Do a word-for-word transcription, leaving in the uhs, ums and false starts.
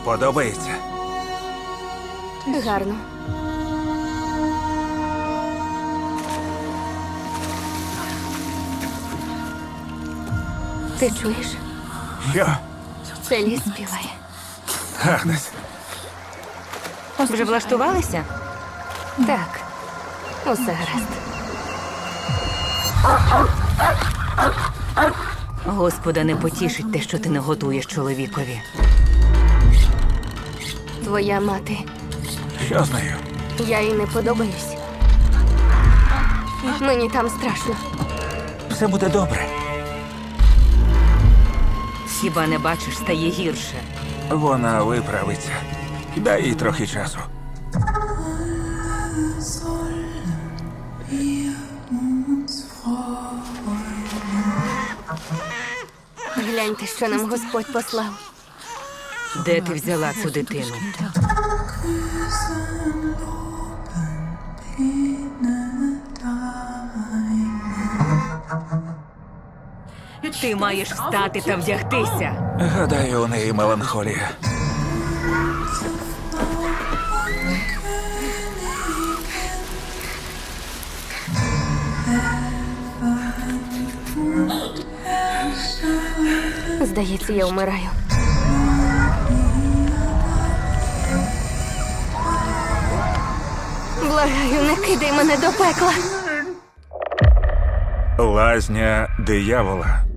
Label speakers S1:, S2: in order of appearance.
S1: Подобається?
S2: Гарно. Ти чуєш?
S1: Що?
S2: Це ліс співає.
S1: Агнес,
S3: Вже влаштувалися?
S2: Так, усе гаразд.
S3: Господа не потішить те, що ти не готуєш чоловікові.
S2: Твоя мати.
S1: що з нею?
S2: Я їй не подобаюсь. Мені там страшно.
S1: Все буде добре.
S3: Хіба не бачиш, стає гірше.
S1: Вона виправиться. Дай їй трохи часу.
S2: Гляньте, що нам Господь послав.
S3: Де ти взяла цю дитину? Ти маєш встати та вдягтися.
S1: Гадаю, у неї меланхолія.
S2: Здається, я вмираю. Благаю, не кидай мене до пекла.
S1: Лазня диявола.